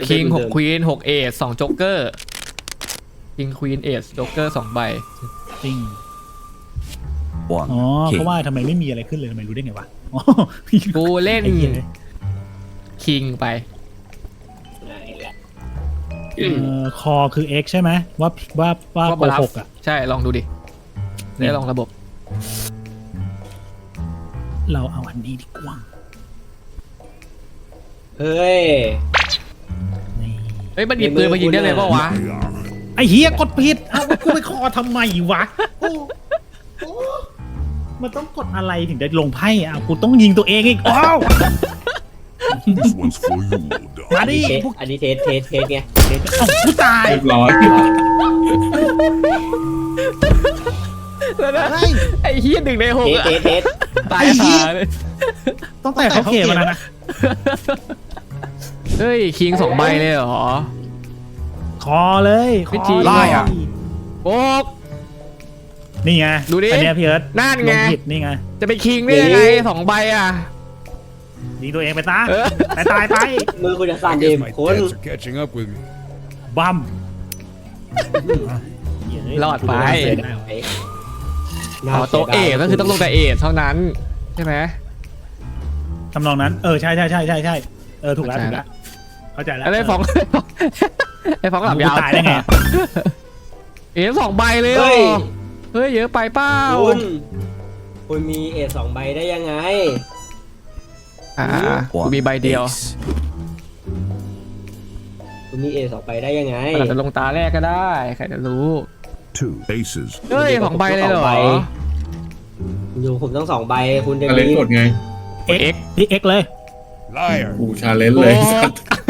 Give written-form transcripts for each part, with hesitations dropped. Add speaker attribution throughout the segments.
Speaker 1: คิง6ควีน6เอส2โจ๊กเกอร์คิงควีนเอสโจ๊กเกอร์2ใบ
Speaker 2: จริง
Speaker 3: One
Speaker 2: อ๋อ
Speaker 3: king.
Speaker 2: เขาว่าทำไมไม่มีอะไรขึ้นเลยทำไมรู้ได้ไงวะอ๋อ
Speaker 1: กูเล่น
Speaker 2: ไอ้เหี้ย
Speaker 1: คิงไป
Speaker 2: คอคือ x ใช่ไหมว่าโกหกอ่ะ
Speaker 1: ใช่ลองดูดิได้ลองระบบ
Speaker 2: เราเอาอันนี้ดีกว่า
Speaker 4: เฮ้ย
Speaker 2: นี่
Speaker 1: เฮ้ยมันหยิบปืนมายิงได้เลยเปล่าวะ
Speaker 2: ไอ้เฮียกดผิดเอากูไปคอทำไมวะโอ้มันต้องกดอะไรถึงได้ลงไพ่อ่ะกูต้องยิงตัวเองอีกอ้าว
Speaker 5: This one's for you,
Speaker 2: มา
Speaker 5: dog.
Speaker 2: ดิ
Speaker 4: อันนี้เทสไง
Speaker 2: เอ้ากูตาย
Speaker 6: เรียบร้อย
Speaker 1: แล้วนะ
Speaker 2: อะไร
Speaker 1: ไอ้เฮีย1 ใน 6อะ
Speaker 4: เทส
Speaker 1: ตายหาเลย
Speaker 2: ต้องแต่เขาเขียนมาแล้วนะ
Speaker 1: เฮ้ยคิง2ใบเลยเหรอ
Speaker 2: คอเลยค
Speaker 1: วิ
Speaker 2: อ
Speaker 1: ธี
Speaker 2: เลย
Speaker 1: โอ๊ก
Speaker 2: นี่ไง
Speaker 1: ดูดิ
Speaker 2: อันเนี้ยพี่เอิร์ธ
Speaker 1: นั่นไง
Speaker 2: ลผิดนี่ไง
Speaker 1: จะไปคิงได้ยังไง2 ใบอ่ะ
Speaker 2: ยิงตัวเองไปซะ
Speaker 1: เออ
Speaker 2: ตายไป
Speaker 4: มือคุณจะสั่น
Speaker 5: I
Speaker 4: เด
Speaker 5: guess
Speaker 4: ม
Speaker 5: my
Speaker 4: คุณ
Speaker 5: debts are catching up with me.
Speaker 2: บัม
Speaker 1: รอดไป
Speaker 4: น่า
Speaker 1: อ๋อโต๊ะเอทก็คือต้องลงแต่เอทเท่านั้นใช่ไหม
Speaker 2: ทำนองนั้นใช่ถูกแล้วถูกแล้วเข้าใจแล้ว
Speaker 1: ไอ้ฟอง ไอ้ฟองหลับยาว
Speaker 2: ตายได้ไง
Speaker 1: เอท2 ใบเลยเหรอเฮ้ยเยอะไปเปล่า
Speaker 4: คุณมีเอท2 ใบได้ยังไง
Speaker 1: กู
Speaker 3: One
Speaker 1: มีใบเดียว
Speaker 3: ace.
Speaker 4: คุณมีเอท2 ใบได้ยังไง
Speaker 1: มันอาจจะลงตาแรกก็ได้ใครจะรู้
Speaker 5: Two aces.
Speaker 1: เฮ้ย2 ใบเลยเหรอ
Speaker 4: อยู่ผมต้อง2 ใบคุณจะ
Speaker 6: ชาเลน
Speaker 4: มี
Speaker 6: จ์กดไง
Speaker 2: X พี่ X เลย
Speaker 5: Liar.
Speaker 6: กูชาเลนจ์เลยสัตว์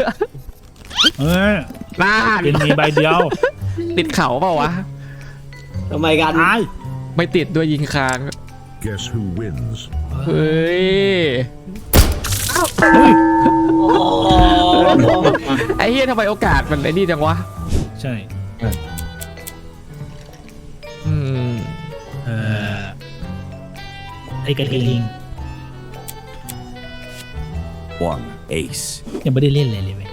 Speaker 1: น่า
Speaker 2: เป็นมีใบเดียว
Speaker 1: ติดเข่าเปล่าวะ
Speaker 4: ทำไมกัน
Speaker 2: ตาย
Speaker 1: ไม่ติดด้วยยิงคาง
Speaker 5: Guess who wins?
Speaker 1: เฮ้ย
Speaker 4: โอ้
Speaker 1: ไอ้เฮียทำไมโอกาสมันไอ้นี่จังวะ
Speaker 2: ใช่
Speaker 1: อืม
Speaker 2: ไอ้กระทิง
Speaker 3: One ace.
Speaker 2: ยังไม่ได้เล่นเลยเว้ย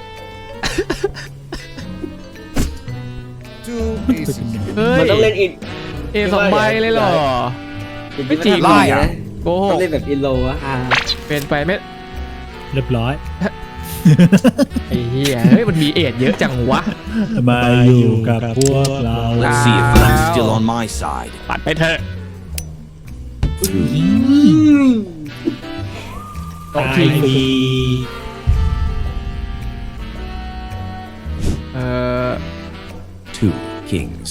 Speaker 5: Two aces.
Speaker 1: เฮ้ย
Speaker 4: มันต้องเล่นอิน
Speaker 1: เอ2 ใบเลยเหรอ ไม่จริง
Speaker 4: ไล่อะ
Speaker 1: โกห
Speaker 4: ต้อก งเล่นแบบอินโลอะ
Speaker 1: เป็นไปไม่
Speaker 2: เรียบร้อย
Speaker 1: ไอ้เฮียเฮ้ยมันมีเอทเยอะจังวะ
Speaker 2: มาอยู่กับพวกเรา
Speaker 3: Let's see if luck's still on my side.
Speaker 1: ปัดไปเถอะ
Speaker 2: ตายฟรี
Speaker 1: เออ
Speaker 3: Two kings.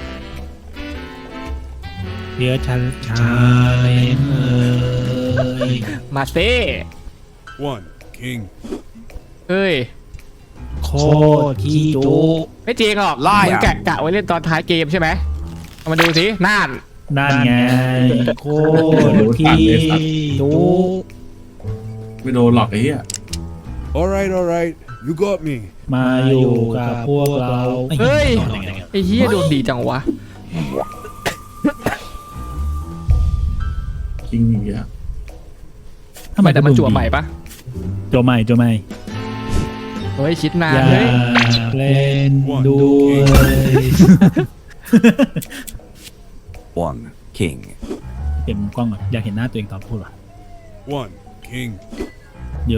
Speaker 2: เดี๋ยวฉันชาเลนเอ้ย
Speaker 1: มาเต้
Speaker 5: One king.
Speaker 1: เฮ้ย
Speaker 2: โคตรขี้จุ
Speaker 1: ไม่จริงหรอก
Speaker 3: ไล่อะ
Speaker 1: มึงกะไว้เล่นตอนท้ายเกมใช่ไหมเอามาดูสิน่าน
Speaker 2: นั่นไงโคตรขี้จุ
Speaker 6: ไม่โดนหลอกไอ้เหี้ย
Speaker 5: All right. You got me.
Speaker 2: มาอยู่กับพวกเรา
Speaker 1: เฮ้ยไอ้เฮียดวงดีจังวะ
Speaker 6: คิงอย่างเงี้ย
Speaker 2: ทำไม
Speaker 1: แต่มันจั่วใหม่ปะ
Speaker 2: จั่วใหม่
Speaker 1: เฮ้ยคิดนา
Speaker 2: อน ย่า
Speaker 1: เฮ้ย
Speaker 2: เล่นด้วย
Speaker 3: One king.
Speaker 2: เปลี่ยนมุมกล้องก่อนอยากเห็นหน้าตัวเองตอนพูดว่ะ
Speaker 5: One king.
Speaker 2: โย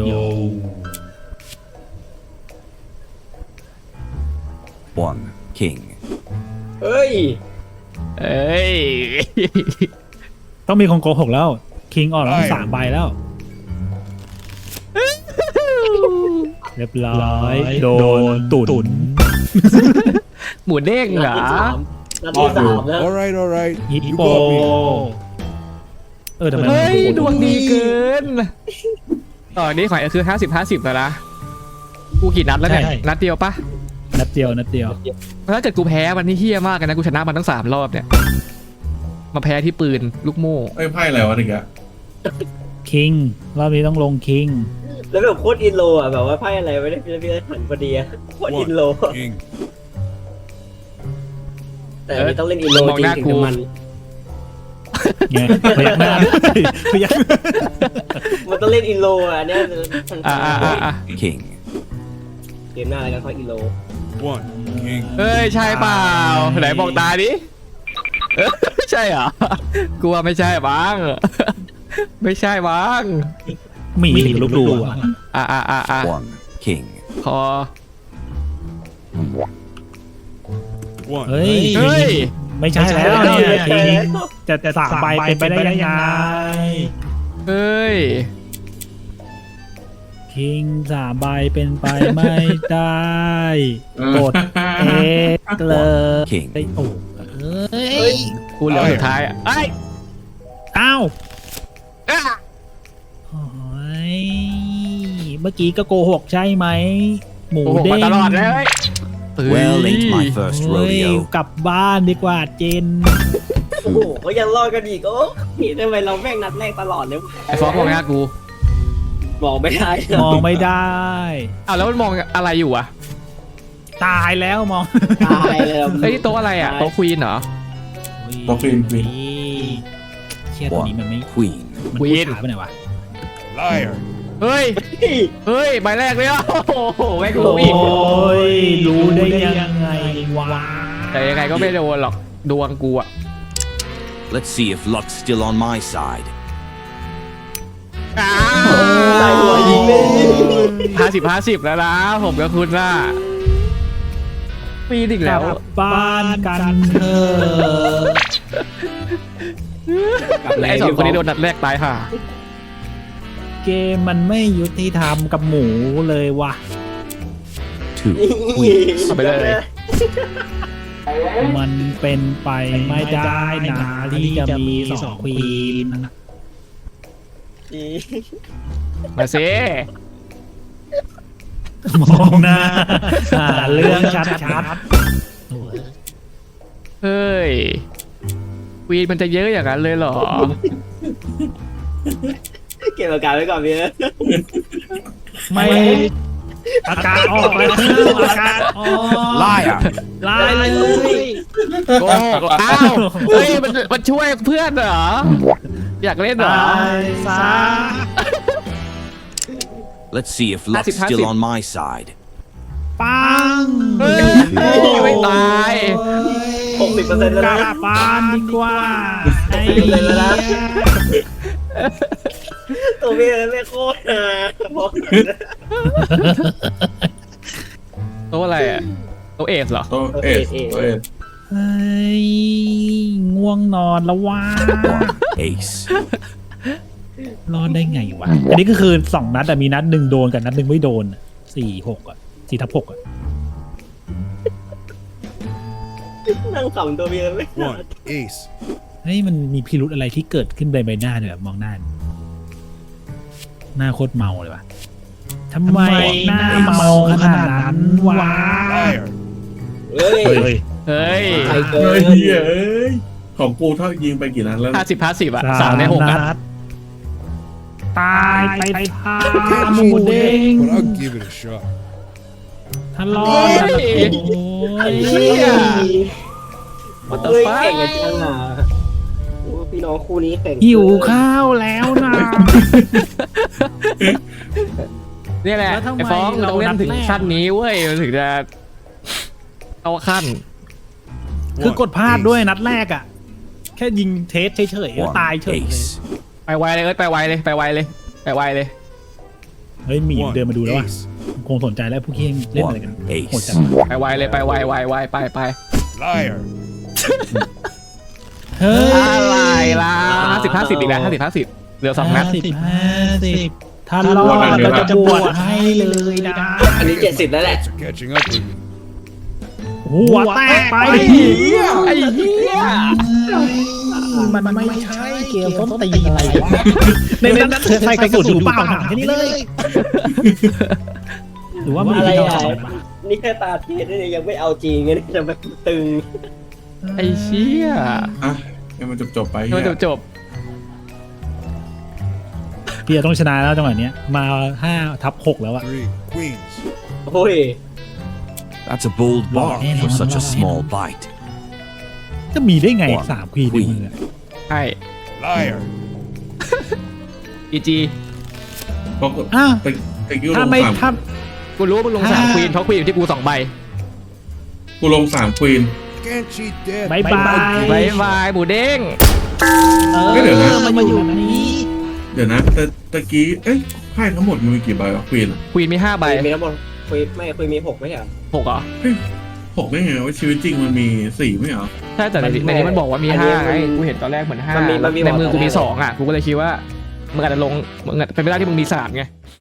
Speaker 3: One king.
Speaker 4: เฮ้ย
Speaker 1: เอ้ย
Speaker 2: ต้องมีคนโกหกแล้วคิงออกแล้ว3 ใบแล้ว เรียบร้อยโดนตุน
Speaker 1: หมูเด้งเหรอ
Speaker 4: นัดที่สามแล้ว
Speaker 5: All right.
Speaker 2: ฮิป
Speaker 5: You
Speaker 2: โป
Speaker 5: got me.
Speaker 2: ทำไม
Speaker 1: เฮ้ย
Speaker 2: มัน
Speaker 1: ดวงดีเกินตอนนี้ของไอ้คือ50-50แล้วนะกูกี่นัดแล้วเนี่ยนัดเดียวปะ
Speaker 2: นัดเดียว
Speaker 1: ถ้าเกิดกูแพ้มันนี่เฮี้ยมากเลยนะกูชนะมันทั้ง3 รอบเนี่ยมาแพ้ที่ปืนลูกโม่
Speaker 6: ไอ้ไพ่อะไรวะถึงอะ
Speaker 2: คิงรอบนี้ต้องลงคิง
Speaker 4: แล้วแบบโคตรอินโลอ่ะแบบว่าไพ่อะไรไม่ได้พี่หันพอดีอะโคตรอินโล
Speaker 5: One king.
Speaker 4: แต่อันนี้ต้องเล่นอินโลจริงถึงจะมัน
Speaker 2: ไงพยักหน้าพยัก
Speaker 4: มันต้องเล่นอินโลอ่ะเนี่ย
Speaker 1: อ่า
Speaker 3: King.
Speaker 4: เกมหน้าอะไรกันเพราะอีโล
Speaker 5: One king.
Speaker 1: เฮ้ยใช่เปล่าไหนบอกตาดิเอ้ยใช่เหรอกูว่าไม่ใช่บ้าง ไม่ใช่บ้าง
Speaker 2: มีลูกดูอ่ะ
Speaker 1: อ่ะ
Speaker 3: One king.
Speaker 1: พอ
Speaker 5: One.
Speaker 2: เฮ้ย
Speaker 1: เฮ้ย
Speaker 2: ไม่ใช่แล้วเนี่ยจริงจะสามใบเป็นไปได้ยังไง
Speaker 1: เฮ้ย
Speaker 2: คิงสามใบเป็นไปไม่ได้ กดเอเลย
Speaker 3: King.
Speaker 2: โอ้เฮ้ย
Speaker 1: กูเหลือสุดท้ายอ่ะไอ้ย
Speaker 2: อ้าว
Speaker 1: อ่ะ
Speaker 2: โอ้ยเมื่อกี้ก็โกหกใช่ไหม หมู
Speaker 1: โอ้โห
Speaker 2: เด้
Speaker 1: มาง ตลอดเลยเฮ้ย
Speaker 3: Well, ain't my first
Speaker 2: เฮ้ย
Speaker 3: rodeo.
Speaker 2: กลับบ้านดีกว่าเจน
Speaker 4: โอ้โหก็ยังรอดกันอีกโอ้ยทำไมเราแม่งนัดแรกตลอดเลยวะ
Speaker 1: ไอ้ฟอกมองหน้ากู
Speaker 4: บอกไม่ได้
Speaker 2: มองไม่ได้
Speaker 1: อ้าวแล้วมันมองอะไรอยู่อ่ะ
Speaker 2: ตายแล้วมอง
Speaker 4: ตายเลยอะ
Speaker 1: เฮ้ยโต๊ะอะไรอ่ะโต๊ะควีนเหรอ
Speaker 6: โต๊ะควีน
Speaker 2: เชี่ยตัวนี้มันไม่
Speaker 3: One queen.
Speaker 2: มัน
Speaker 1: ควี
Speaker 2: พูด
Speaker 1: น
Speaker 2: ช้าไปไหนวะ
Speaker 5: Liar.
Speaker 1: เฮ้ย เฮ้ยใบแรกเลยอ่ะโอ้โหแม่ง
Speaker 2: โอ
Speaker 1: รู้อีก้
Speaker 2: ยรู้ได้ยังไงวะ
Speaker 1: แต่ยังไงก็ไม่โดนหรอกดวงกูอ่ะ
Speaker 3: Let's see if luck's still on my side.
Speaker 4: ใส่หัวยิงเลย
Speaker 1: 50-50แล้วนะผมกับคุณน่ะปีนอีก
Speaker 2: ก
Speaker 1: แล้
Speaker 2: ลั
Speaker 1: ว
Speaker 2: บบ้านกันเถอะ
Speaker 1: ไอ้สองคนนี้โดนนัดแรกตายห่า
Speaker 2: เกมมันไม่ยุติธรรมกับหมูเลยวะ
Speaker 3: Two queens.
Speaker 1: เอาไปเลย
Speaker 2: มันเป็นไปไม่ได้นะที่จะมีสองควีน
Speaker 1: มาสิ
Speaker 2: มองหน้าหาเรื่องชัด
Speaker 1: เฮ้ยควีนมันจะเยอะอย่างนั้นเลยเหรอ
Speaker 4: เก็บอาการไว้ก่อนพี่
Speaker 2: ๆไม่อาการออกแล้วอาการออก
Speaker 3: Liar.
Speaker 2: ลายเลย
Speaker 1: โกหกอ้าวเฮ้ยมันช่วยเพื่อนเหรอ อยากเล่นเหรอ
Speaker 2: ตายซะ
Speaker 3: Let's see if luck's
Speaker 1: 50-50.
Speaker 3: still on my side.
Speaker 2: ปัง
Speaker 1: เฮ้ยไม่ตาย
Speaker 4: 60%แล้ว
Speaker 2: กลั
Speaker 4: นะ
Speaker 2: บบ้านดีกว่าไอ้
Speaker 4: เลยแล้วนะ
Speaker 2: เหี้ย
Speaker 4: ตัวพี่ไม่โคตรนะบอก
Speaker 1: โต๊ะอะไรอ่ะโต๊ะเอสเหรอ
Speaker 6: โต๊ะเอสโต๊ะเอส
Speaker 2: เฮ้ยง่วงนอนแล้วว่า
Speaker 3: One ace.
Speaker 2: รอดได้ไงวะ อันนี้ก็คือ2 นัดแต่มีนัดหนึ่งโดนกับนัดหนึ่งไม่โดน 4-6 อ่ะ 4-6 อ่ะ
Speaker 4: นั่งขำตัวพี่ไม่
Speaker 5: One ace.
Speaker 2: เฮ้ยมันมีพิรุธอะไรที่เกิดขึ้นในใบหน้าเนี่ยแบบมองหน้า หน้าโคตรเมาเลยวะทำไมหน้าเมาขนาดนั้นวะ
Speaker 5: Liar.
Speaker 4: เฮ้ย
Speaker 1: เฮ้ย
Speaker 4: ใครเกิ
Speaker 6: เฮ้
Speaker 4: น
Speaker 6: ยเอ้ยของกูเท่ายิงไปกี่นัดแล้ว
Speaker 1: 50-50อ่ะ3 ใน 6อ่ะ
Speaker 2: นัดตายไปทา
Speaker 5: Can't
Speaker 2: หมู
Speaker 5: cheat,
Speaker 2: เด้ง
Speaker 5: but I'll give it a shot.
Speaker 2: ทะเลาะกันโอ้ย
Speaker 1: เหี้ย What the
Speaker 4: เฮ้ย
Speaker 1: fuck
Speaker 4: แข่งกันจังอ่ะโอ้พี่น้องคู่นี้แข่ง
Speaker 2: หิวข้าวแล้วนะ
Speaker 1: นี่แหละ
Speaker 2: แล้วทำไม
Speaker 1: ไอ้ฟ้อง
Speaker 2: เรา
Speaker 1: ต้องเล่นถึง
Speaker 2: นัดแรก
Speaker 1: ขั้นนี้เว้ยมันถึงจะเข้าขั้น
Speaker 2: คือกดพลาดด้วยนัดแรกอ่ะ แค่ยิงเทสเฉยๆแล้ว
Speaker 3: One
Speaker 2: ตายเฉยเลย
Speaker 3: ace.
Speaker 1: ไปไวเลยไปไวเลยไปไวเลยไปไวเลย
Speaker 2: เฮ้ยหมี
Speaker 5: One
Speaker 2: เดินมาดูแล้วว่ะ
Speaker 5: ace.
Speaker 2: คงสนใจแล้วพวกที่เล่นอะไรกัน
Speaker 3: One ace.
Speaker 2: โหดจัง
Speaker 1: ไปไวเลยไปไวไป
Speaker 5: Liar.
Speaker 2: เฮ้ย
Speaker 1: อะไรล่ะ50-50อีกแล้ว50-50เหลือ2 นัด
Speaker 2: 50ถ้ารอดเราจะบวชให้เลยนะ
Speaker 4: อันนี้70แล้วแหละ
Speaker 5: They're catching up with me.
Speaker 2: หัวแตกไป
Speaker 1: ไอ้เหี้ย
Speaker 2: มันไม่ใช่เกมต้นตีนอะไรวะในนั้นเธอใส่กระสุนอยู่เปล่าถามแค่นี้เลย หรือว่ามัน
Speaker 4: อะไร
Speaker 2: ที่เรา
Speaker 4: อ่ะ
Speaker 2: สอนมา
Speaker 4: นี่แค่ตาเทศนี่ยังไม่เอาจริงไงนี่จะมาตึง
Speaker 1: ไอ้เชี่ย
Speaker 6: อ่ะให้มันจบไป
Speaker 1: โด
Speaker 6: เหี้
Speaker 1: น
Speaker 6: ย
Speaker 1: จบ
Speaker 2: พี่ต้องชนะแล้วจังหวะนี้มา5-6แล้วอะ
Speaker 5: Three queens.
Speaker 4: โอ้ย
Speaker 3: That's a bold bark for such a small bite.
Speaker 2: จะมีได้ไง3 ควีนในมือ
Speaker 1: ใช่
Speaker 5: Liar.
Speaker 1: GG
Speaker 6: เพราะ
Speaker 2: อ้าว
Speaker 6: ไปกิ้วล
Speaker 2: ถ้าง ไม่
Speaker 6: ต่ำ
Speaker 2: ถ้า
Speaker 1: กูรู้ว่ามึงลง3 ควีนเพราะควีนอยู่ที่กู2 ใบ
Speaker 6: กูลง3 ควีน
Speaker 5: Can't cheat death.
Speaker 2: บายบาย
Speaker 1: บายบายหมูเด้ง
Speaker 6: เฮ้ยเดี๋ยวนะ
Speaker 2: มาอยู่นี้
Speaker 6: เดี๋ยวนะแต่ตะกี้เอ้ยไพ่ทั้งหมดมันมีกี่ใบวะควีนอ่ะ
Speaker 1: ควีนมี5 ใบ
Speaker 4: มีทั้งหมดคุยมี6ไม่ใช่เหรอ
Speaker 1: 6เหรอ
Speaker 6: 6ได้ไงว่าชีวิตจริงมันมี4ไม่เหรอ
Speaker 1: ใช่แต่ในนี้มันบอกว่ามี5ไงกูเห็นตอนแรกเหมือน5ในมือกูมี2อ่ะกูก็เลยคิดว่ามึงอาจจะลงมึงอาจเป็นไปได้ที่มึงมี3ไง